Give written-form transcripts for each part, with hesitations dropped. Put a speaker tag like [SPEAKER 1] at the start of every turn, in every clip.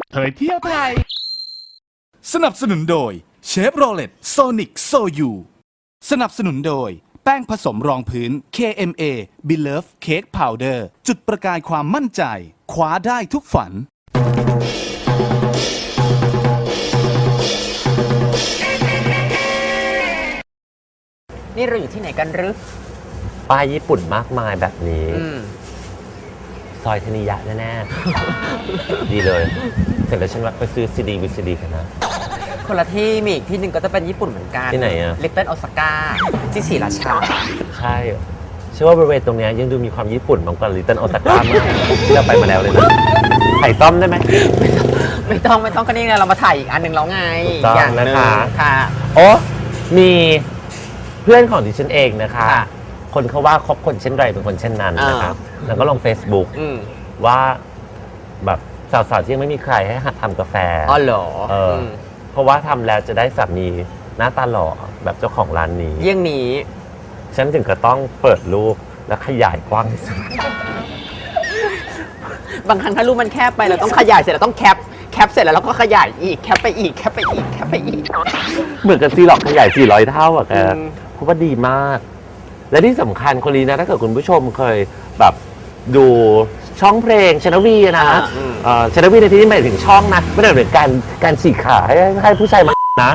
[SPEAKER 1] เผยเที่ยวไทย
[SPEAKER 2] สนับสนุนโดยเชฟโรเลตโซนิกโซยูสนับสนุนโดยแป้งผสมรองพื้น KMA Belove Cake Powder จุดประกายความมั่นใจคว้าได้ทุกฝัน
[SPEAKER 3] นี่เราอยู่ที่ไหนกันหรือ
[SPEAKER 4] ป้ายญี่ปุ่นมากมายแบบนี้ซอยธนิยะแน่ๆ ดีเลยเสร็จแล้วฉันว่าไปซื้อซีดีวิซีดีกันนะ
[SPEAKER 3] คนละที่มีอีกที่หนึ่งก็จะเป็นญี่ปุ่นเหมือนกัน
[SPEAKER 4] ที่ไหนอะ
[SPEAKER 3] ลิตเติ้ลโอซาก้าที่ศรีราชา
[SPEAKER 4] ใช่เชื่อว่าบริเวณตรงเนี้ยยังดูมีความญี่ปุ่นมากกว่าลิตเติ้ลโอซาก้ามากที่เราไปมาแล้วเลยนะไข่ต้มได้ไหม
[SPEAKER 3] ไม่ต้องก็นี่ไงเรามาถ่ายอีกอันหนึ่งแล้วไง
[SPEAKER 4] ถูกต้อง
[SPEAKER 3] อย่างหนึ่ง
[SPEAKER 4] นะคะ
[SPEAKER 3] ค่ะ
[SPEAKER 4] โอ้มีเพื่อนของดิฉันเองนะคะ
[SPEAKER 3] ค่ะ
[SPEAKER 4] คนเขาว่าคบคนเช่นไรเป็นคนเช่นนั้นนะครับแล้วก็ลง Facebook
[SPEAKER 3] อืม
[SPEAKER 4] ว่าแบบสาวๆที่ยังไม่มีใครให้หัดทำกาแฟ
[SPEAKER 3] อ๋อเหรอ
[SPEAKER 4] มเพราะว่าทำแล้วจะได้สามีหน้าตาหล่อแบบเจ้าของร้านนี้
[SPEAKER 3] เยี่ยงนี้
[SPEAKER 4] ฉันถึงก็ต้องเปิดรูปและขยายกว้างที่สุด
[SPEAKER 3] บางครั้งถ้ารูปมันแคบไปเราต้องขยายเสร็จเราต้องแคปเสร็จแล้วเราก็ขยายอีกแคปไปอีกแคปไปอีกแคปไปอีก
[SPEAKER 4] เหมือนกับซีหลอกขยาย 400 เท่าอะแก
[SPEAKER 3] อืม
[SPEAKER 4] เพราะว่าดีมาก และที่สำคัญคนนี้นะถ้าเกิดคุณผู้ชมเคยแบบดูช่องเพลงชนวีนะชนวีในที่นี้หมายถึงช่องนะไม่ได้หมายถึงการฉีกขาให้ผู้ชายมานะ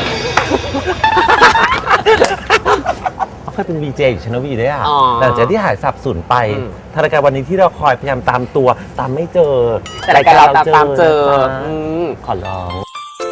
[SPEAKER 4] เขาเคยเป็นวีเจอยู่ชนวีด้วยอ่ะแต่จากที่หายสับสูญไปทางรายการวันนี้ที่เราคอยพยายามตามตัวตามไม่เจอ
[SPEAKER 3] แต่รายการเราตามเจอ
[SPEAKER 4] นะ
[SPEAKER 3] อื
[SPEAKER 4] จ๊ะ
[SPEAKER 3] ม
[SPEAKER 4] ขอร้อง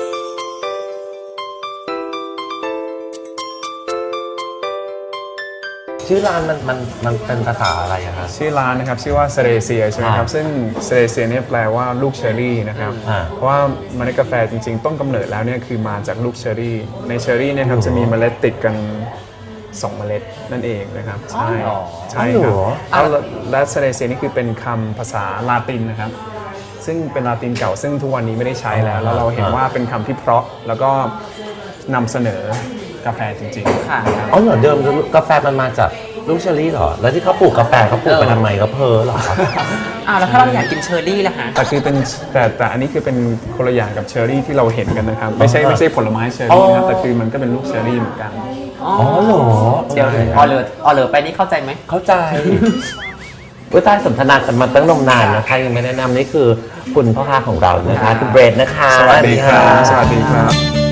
[SPEAKER 4] ชื่อร้านมันเป็นภาษาอะไรอะครับ
[SPEAKER 5] ชื่อร้านนะครับชื่อว่าเซเรเซียใช่ไหมครับซึ่งเซเรเซียเนี่ยแปลว่าลูกเชอร์รี่นะครับ
[SPEAKER 4] อ่า
[SPEAKER 5] เพราะว่าเมล็ดกาแฟจริงๆต้นกำเนิดแล้วเนี่ยคือมาจากลูกเชอร์รี่ในเชอร์รี่เนี่ยครับจะมีเมล็ดติดกัน2เมล็ดนั่นเองนะครับใช่ใช่ครับและเซเรเซียนี่คือเป็นคำภาษาลาตินนะครับซึ่งเป็นลาตินเก่าซึ่งทุกวันนี้ไม่ได้ใช้แล้วแล้วเราเห็นว่าเป็นคำที่เพราะแล้วก็นำเสนอกาแฟจริงๆ
[SPEAKER 3] ค่ะ
[SPEAKER 5] นะครับ
[SPEAKER 4] อ๋อเหรอเดิมกาแฟมันมาจากลูกเชอรี่เหรอ แล้วที่เขาปลูกกาแฟเขาปลูกไปทำไมก็เพอเหรอ
[SPEAKER 3] แล้วถ้าเราอยากกินเชอร์รี่ล่ะคะ
[SPEAKER 5] แต่คือเป็นแต่อันนี้คือเป็นคนละอย่างกับเชอร์รี่ที่เราเห็นกันนะครับไม่ใช่ผลไม้เชอร์รี่นะครับแต่คือมันก็เป็นลูกเชอร์รี่เหมือนกัน
[SPEAKER 3] อ๋อ
[SPEAKER 4] เหรอ
[SPEAKER 3] เดี๋ยวออเลอร์ไปนี่เข้าใจไหม
[SPEAKER 4] เข้าใจว่าใต้สนทนากันมาตั้งนมนานนะคะยังไม่แนะนำนี่คือคุณพ่อค้าของเรานะคะคุณเบรดนะคะ
[SPEAKER 5] สวัสดีครับสวัสดีครับ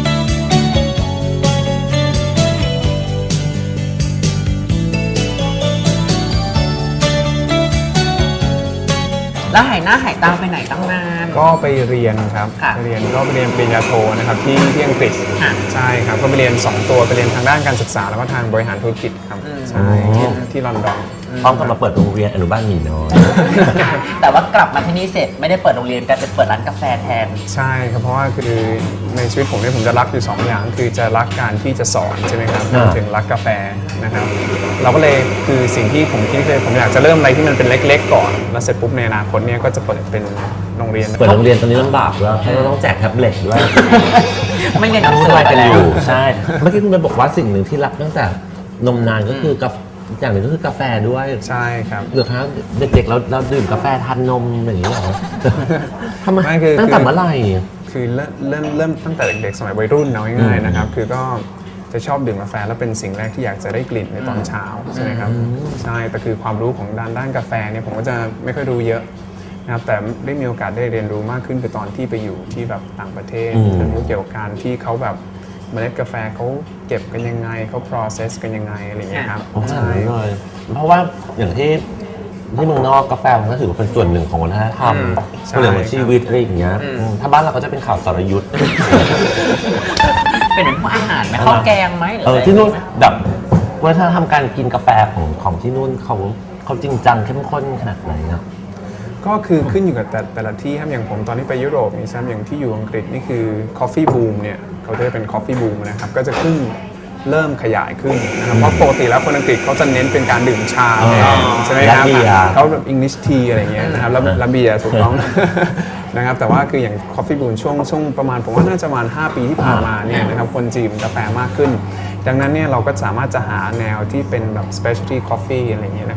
[SPEAKER 3] แล้วหายหน้าหายตาไปไหนตั้งนาน
[SPEAKER 5] ก็ไปเรียนครับ
[SPEAKER 3] ค่ะ
[SPEAKER 5] ไปเรียนปริญญาโทนะครับที่อังกฤษ
[SPEAKER 3] ค่ะ
[SPEAKER 5] ใช่ครับก็ไปเรียน2ตัวไปเรียนทางด้านการศึกษาแล้วก็ทางบริหารธุรกิจครับใช่ที่ลอนดอน
[SPEAKER 4] พร้อมกับมาเปิดโรงเรียนอนุบาลหมีน้อย
[SPEAKER 3] แต่ว่ากลับมาที่นี่เสร็จไม่ได้เปิดโรงเรียนกลายเป็นเปิดร้านกาแฟแทน
[SPEAKER 5] ใช่ครับเพราะว่าคือในชีวิตผมเนี่ยผมจะรักอยู่2อย่างคือจะรักการที่จะสอนใช่ไหมครับรวมถึงรักกาแฟนะครับเราก็เลยคือสิ่งที่ผมคิดคือผมอยากจะเริ่มอะไรที่มันเป็นเล็กๆก่อนแล้วเสร็จปุ๊บในอนาคตเนี่ยก็จะเปิดเป็นโรงเรียน
[SPEAKER 4] เปิดโรงเรียนตอนนี้ลำบากด้วยเพราะเราต้องแจกแท็บเล็ตด้วย
[SPEAKER 3] ไม่เรียนหนัง
[SPEAKER 4] วุ่
[SPEAKER 3] สื
[SPEAKER 4] น
[SPEAKER 3] อ
[SPEAKER 4] วาย
[SPEAKER 3] ไป
[SPEAKER 4] กัน
[SPEAKER 3] แล้
[SPEAKER 4] อ
[SPEAKER 3] ว
[SPEAKER 4] ยู่ใช่ เมื่อกี้คุณไปบอกว่าสิ่งหนึ่งที่รักตั้งแต่นมนานก็คือกาแฟอย่างหนึ่งก็คือกาแฟด้วย
[SPEAKER 5] ใช่ครับ
[SPEAKER 4] เหรือครับเด็กๆเราดื่มกาแฟทานนมอย่างนี้เหรอทำไม
[SPEAKER 5] ไม่คือ
[SPEAKER 4] ตั้งแต่เมื่อไหร่
[SPEAKER 5] คือเริ่มตั้งแต่เด็กๆสมัยวัยรุ่นเอาง่ายๆนะครับคือก็จะชอบดื่มกาแฟแล้วเป็นสิ่งแรกที่อยากจะได้กลิ่นในตอนเช้าใช่ไหมครับใช่แต่คือความรู้ของด้านกาแฟเนี่ยผมก็จะไม่ค่อยรู้เยอะนะครับแต่ได้มีโอกาสได้เรียนรู้มากขึ้นคือตอนที่ไปอยู่ที่แบบต่างประเทศเรียนรู้เกี่ยวกับการที่เขาแบบเมล็ดกาแฟเขาเก็บกันยังไงเขา process กันยังไงอะไรอย่างเงี้ยครับ
[SPEAKER 4] ใช่เลยเพราะว่าอย่างที่เมืองนอกกาแฟมันก็ถือว่าเป็นส่วนหนึ่งของวัฒนธรรม
[SPEAKER 5] ใช่
[SPEAKER 4] เรื่องของชีวิตอะไรอย่างเงี้ยถ้าบ้านเราก็จะเป็นข่าวสรยุทธ์
[SPEAKER 3] เป็นเหมือนพวกอาหารไหมข้าวแกงไหมหรืออะไร
[SPEAKER 4] ที่นู่นแบบวัฒนธรรมการกินกาแฟของที่นู่นเขาจริงจังเข้มข้นขนาดไหนครับ
[SPEAKER 5] ก็คือขึ้นอยู่กับแต่ละที่ครับอย่างผมตอนที่ไปยุโรปนี่ใช่ไหมอย่างที่อยู่อังกฤษนี่คือ coffee boom เนี่ยเขาจะเป็น coffee boom นะครับก็จะขึ้นเริ่มขยายขึ้นนะครับเพราะปกติแล้วคนอังกฤษเขาจะเน้นเป็นการดื่มชาแทนใช่ไหมครับ
[SPEAKER 4] และเบียร์
[SPEAKER 5] เขาแบบ English tea อะไรเงี้ยนะครับแล้วเบียร์ถูกต้อง นะครับแต่ว่าคืออย่าง coffee boom ช่วงประมาณผมว่าน่าจะประมาณ5 ปีที่ผ่านมาเนี่ยนะครับคนจีนกาแฟมากขึ้น ดังนั้นเนี่ยเราก็สามารถจะหาแนวที่เป็นแบบ specialty coffee อะไรเงี้ยนะครับ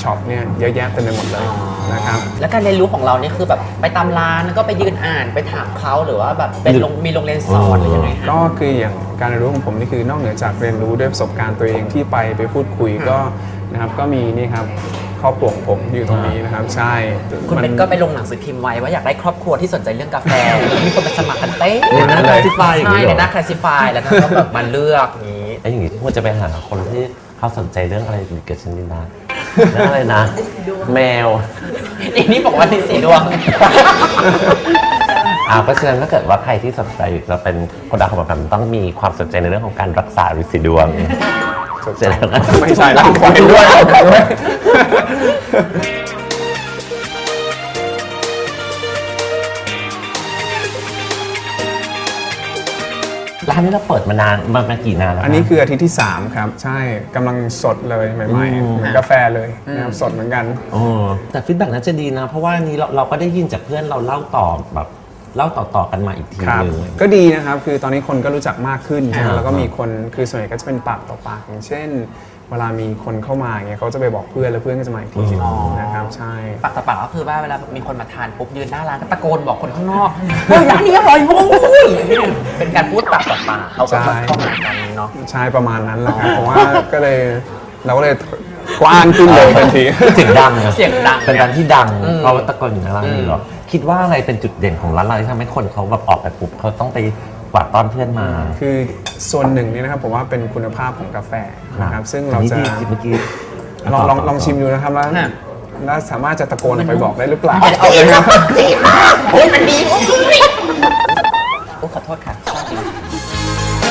[SPEAKER 5] ช็อปเนี่ยเยอะแยะเต็มไปหมดเลยนะครับ
[SPEAKER 3] แล้วการเรียนรู้ของเราเนี่ยคือแบบไปตามร้านแล้วก็ไปยืนอ่านไปถามเขาหรือว่าแบบเป็นมีโรงเรียนสอนหรือยังไงคะ
[SPEAKER 5] ก็คืออย่างการเรียนรู้ของผมนี่คือนอกเหนือจากเรียนรู้ด้วยประสบการณ์ตัวเองที่ไปพูดคุยก็นะครับก็มีนี่ครับครอบครัวของผมอยู่ตรงนี้นะครับใช่
[SPEAKER 3] คุณเป็นก็ไปลงหนังสือพิมพ์ไว้ว่าอยากได้ครอบครัวที่สนใจเรื่องกาแฟ มีคนไปสมัครกันเต้น
[SPEAKER 4] ในหน้า classify อย่าง
[SPEAKER 3] ใช่
[SPEAKER 4] นี้เหรอ
[SPEAKER 3] ในหน้า classify แล้วก็แบบมาเลือกอย่างนี้
[SPEAKER 4] ไอ้อย่างงี้ควรจะไปหาคนที่เขาสนใจเรื่องอะไรเกิดชนิดนะเรื่องอะไรนะ แมว
[SPEAKER 3] อีกนี่บอกว่าที่สีดวง
[SPEAKER 4] เพราะฉะนั้นถ้าเกิดว่าใครที่สนใจจะเป็นคนดังของแบบต้องมีความสนใจในเรื่องของการรักษาฤทธิ์สีดวงเสร็จแล้วนะ
[SPEAKER 5] ไม่ใช่แล้วปล่อยด้วย
[SPEAKER 4] ร้านนี้เราเปิดมานานมากี่นานแล้ว
[SPEAKER 5] อันนี้คืออาทิตย์ที่ 3 ครับ ใช่กำลังสดเลยใหม่ๆเหมือนกาแฟเลยนะครับสดเหมือนกัน
[SPEAKER 4] แต่ฟีดแบ็กน่าจะดีนะ เพราะว่านี้เราก็ได้ยินจากเพื่อนเราเล่าต่อแบบเล่าต่อๆกันมาอีกที
[SPEAKER 5] ครับ
[SPEAKER 4] นึง
[SPEAKER 5] ก็ดีนะครับ คือตอนนี้คนก็รู้จักมากขึ้นใช่ไหม
[SPEAKER 4] ครับ
[SPEAKER 5] แล้วก็มีคนคือส่วนใหญ่ก็จะเป็นปากต่อปากอย่างเช่น เวลามีคนเข้ามาอย่างเงี้ยเขาจะไปบอกเพื่อนแล้วเพื่อนก็จะมาอีกทีนะครับใช่
[SPEAKER 3] ปากต่อปากก็คือว่าเวลามีคนมาทานปุ๊บยืนหน้าร้านก็ตะโกนบอกคนข้างนอกเฮ้ยร้านนี้อร่อยโว้ยเป็นการพูดปากต่อปากเขาก็มาเข้าหากันเนาะ
[SPEAKER 5] ใช่ประมาณนั้นแหละครับเพราะว่าก็เลยเราก็เลยกว้างขึ้นเลยทันที
[SPEAKER 4] เสียงดังนะ
[SPEAKER 3] เสียงดัง
[SPEAKER 4] เป็นร้านที่ดังเพราะว่าตะโกนอยู่ในร้านนี้หรอคิดว่าอะไรเป็นจุดเด่นของร้านเราที่ทำให้คนเขาแบบออกไปปุ๊บเขาต้องไปกวาดต้อนเพื่อนมา
[SPEAKER 5] คือส่วนหนึ่งนี่นะครับผมว่าเป็นคุณภาพของกาแฟนะครับซึ่งเราจะ
[SPEAKER 4] เมื่อกี้
[SPEAKER 5] ลองชิมดูนะครับแล้ว
[SPEAKER 3] น่ะ
[SPEAKER 5] แล้วสามารถจะตะโกนออกไปบอกได้หรือเปล่า
[SPEAKER 3] เอาเองครับโอ้ยมันดีโอ้ยขอโทษค่ะชอบจริง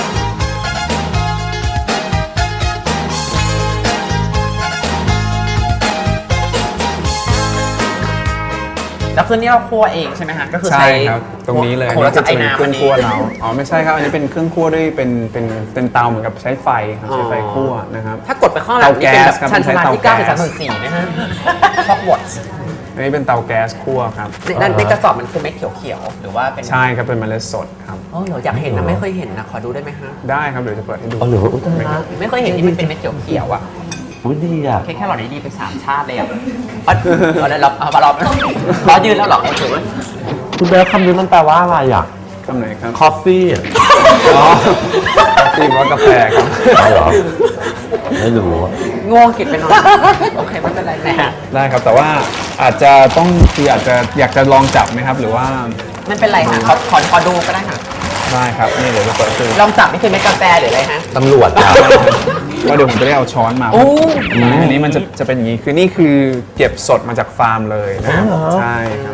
[SPEAKER 3] แล้วคือนี่เราคั่วเองใช่ไหมฮะก็คือ
[SPEAKER 5] ใช่ครับตรงนี้เลย
[SPEAKER 3] โอ้โหแล้ว
[SPEAKER 5] จะ
[SPEAKER 3] จะไอ้
[SPEAKER 5] เป็น
[SPEAKER 3] น้ำ
[SPEAKER 5] เค
[SPEAKER 3] อั
[SPEAKER 5] รื่
[SPEAKER 3] น
[SPEAKER 5] อง
[SPEAKER 3] นี้
[SPEAKER 5] คั่วเราอ๋อไม่ใช่ครับอันนี้เป็นเครื่องคั่วด้วยเป็นเตาเหมือนกับใช้ไฟครับใช้ไฟคั่วนะครับ
[SPEAKER 3] ถ้ากดไปข้างหลังนี่เป็นแบบ
[SPEAKER 5] เตาแก๊สครับ
[SPEAKER 3] ชันชาลาที่
[SPEAKER 5] ใช้เตาแก๊ส
[SPEAKER 3] 9.3/4นะฮะฮอกวอตส์
[SPEAKER 5] อันนี้เป็นเตาแก๊สคั่วครับ
[SPEAKER 3] ในกระสอบมันคือเม็ดเขียวๆหรือว่าเป็น
[SPEAKER 5] ใช่ครับเป็นเมล็ดสดครับ
[SPEAKER 3] อ๋อเหรออยากเห็นนะไม่เคยเห็นนะขอดูได้ไหมฮะ
[SPEAKER 5] ได้ครับเดี๋ยวจะเปิดให้ดู
[SPEAKER 4] อ๋อเหรออุ๊ยตายละ
[SPEAKER 3] ไม่เคยเห็นที่มันเป็นเม็ดเขียวๆอ่ะ
[SPEAKER 4] อุ๊ยดีอ่ะ
[SPEAKER 3] แค่หลอดนี้ดีไป3 ชาติเลยอ่ะเอาได้รับเอามารอบรอยืนแล้วเหรอโอเค
[SPEAKER 4] คุณเบลคำนี้มันแปลว่าอะไรอ่ะ
[SPEAKER 5] คำไหนครับ
[SPEAKER 4] คอฟฟี่
[SPEAKER 5] อ๋อตีว่ากาแฟครับ
[SPEAKER 4] เหรอไม่รู้อะ
[SPEAKER 3] ง่วงกินไปหน่อยโอเคไม่เป็นไรนะฮะ
[SPEAKER 5] ได้ครับแต่ว่าอาจจะต้องคืออาจจะอยากจะลองจับไหมครับ หรือว่า
[SPEAKER 3] ไม่เป็นไรค่ะขอดูก็ได้ค่ะ
[SPEAKER 5] ได้ครับนี่เดี๋ยวจะเปิดดู
[SPEAKER 3] ลองจับนี่คือเม็ดกาแฟหรืออะไรฮะ
[SPEAKER 4] ตำรวจอ่ะ
[SPEAKER 5] ว่าเดี๋ยวผมจะได้เอาช้อนมา
[SPEAKER 3] โอ้
[SPEAKER 5] อันนี้มันจะเป็นอย่างนี้คือนี่คือเก็บสดมาจากฟาร์มเลยนะครับใช่ครับ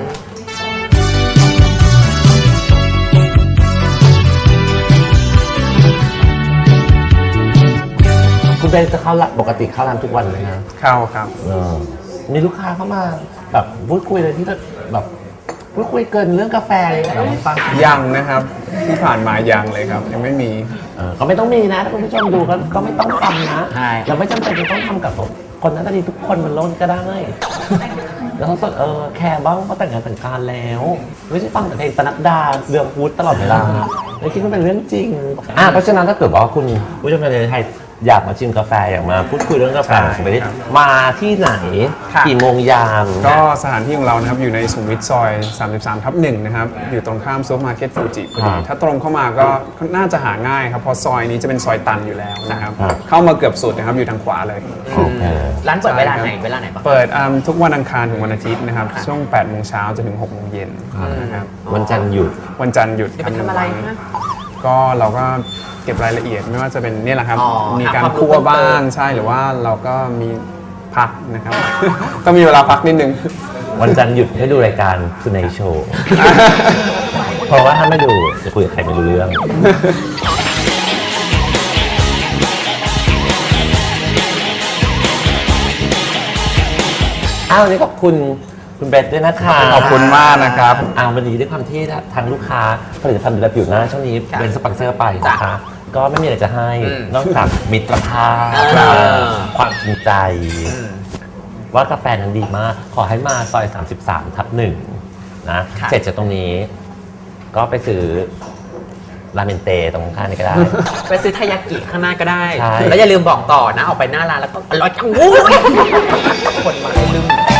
[SPEAKER 4] คุณเบลจะเข้าร้านปกติเข้าร้านทุกวันเลยนะ
[SPEAKER 5] เข้าครับ
[SPEAKER 4] มีลูกค้าเข้ามาแบบพูดคุยเลยที่แบบพูดคุยเกินเรื่องกาแฟเลยเหรอคุณฟัง
[SPEAKER 5] ยังนะครับที่ผ่านมายังเลยครับ ยังไม่มี
[SPEAKER 4] ก็ไม่ต้องมีนะถ้าคุณผู้ชมดูก็ไม่ต้องทำนะ
[SPEAKER 3] ใช่
[SPEAKER 4] เราไม่จำเป็นจะต้องทำกับคนนั้นดีทุกคนมันล้นก็ได้แล้วเขาแคร์บ้างเขาแต่งงานแต่งการแล้ว ไม่ใช่ฟังแต่เพลงปนัดดาเดืองพูดตลอดเวลาเลยคิดว่าเป็นเรื่องจริงเพราะฉะนั้นถ้าเกิดว่าคุณผู้ชมในไทยอยากมาชิมกาแฟอยากมาพูดคุยเรื่องกาแฟ
[SPEAKER 5] ใช่
[SPEAKER 4] สมัยนี้
[SPEAKER 5] ครับ
[SPEAKER 4] มาที่ไหน
[SPEAKER 3] ค่ะ
[SPEAKER 4] กี่โมงยาม
[SPEAKER 5] ก็สถานที่ของเรานะครับอยู่ในสุขุมวิทซอย 33/1 นะครับ อยู่ตรงข้ามซูเปอร์มาร์เก็ตฟูจิพอดี
[SPEAKER 4] ครับ
[SPEAKER 5] ถ้าตรงเข้ามาก็น่าจะหาง่ายครับ เพราะซอยนี้จะเป็นซอยตันอยู่แล้วนะครับ
[SPEAKER 4] ครับ
[SPEAKER 5] เข้ามาเกือบสุดนะครับอยู่ทางขวาเลย
[SPEAKER 4] โอเค
[SPEAKER 3] ร้านเปิดเวลาไหน
[SPEAKER 5] ใช่ครับ
[SPEAKER 3] เวลาไหนบ้าง
[SPEAKER 5] เปิดทุกวันอังคารถึงวันอาทิตย์นะครับ ช่วง 8 โมงเช้าจนถึง 6 โมงเย็นนะครับ
[SPEAKER 4] วันจันทร์หยุด
[SPEAKER 5] วันจันทร์หยุด
[SPEAKER 3] จะไปทำอะไร
[SPEAKER 5] หนึ่งวั
[SPEAKER 3] ฮะ
[SPEAKER 5] นก็เราก็เก็บรายละเอียดไม่ว่าจะเป็นเนี่ยแหละครับ
[SPEAKER 3] อ๋อ
[SPEAKER 5] มีการ
[SPEAKER 3] หาความรู้
[SPEAKER 5] คั่วบ้าง
[SPEAKER 3] เพิ่มเติม
[SPEAKER 5] ใช่หรือว่าเราก็มีพักนะครับ ต้องมีเวลาพักนิดนึง
[SPEAKER 4] วันจันทร์หยุดให้ดูรายการคุณในโชว์ เพราะว่าถ้าไม่ดูจะคุยกับใครไม่รู้เรื่อง วันนี้ขอบคุณคุณเบสด้วยนะคะ
[SPEAKER 5] ขอบคุณมากนะครับ
[SPEAKER 4] วันนี้ด้วยความที่ทางลูกค้าผลิตภัณฑ์ดูแลผิวหน้าช่วงนี้เป็นสปอนเซอร์ไปนะคะ ก็ไม่มีอะไรจะให้ นอกจากมิตรภาพ ความจริงใจ ว่ากาแฟนั้นดีมาก ขอให้มาซอย 33/1 นะ
[SPEAKER 3] ค่ะ
[SPEAKER 4] เสร็จจากตรงนี้ ก็ไปซื้อราเมนเตตรงข้างนี่ก็ได้
[SPEAKER 3] ไปซื้อทายากิข้างหน้าก็ได้
[SPEAKER 4] ใช่
[SPEAKER 3] แล้วอย่าลืมบอกต่อนะ ออกไปหน้าร้านแล้วก็อร่อยจังวู้ยคนมาให้ลืม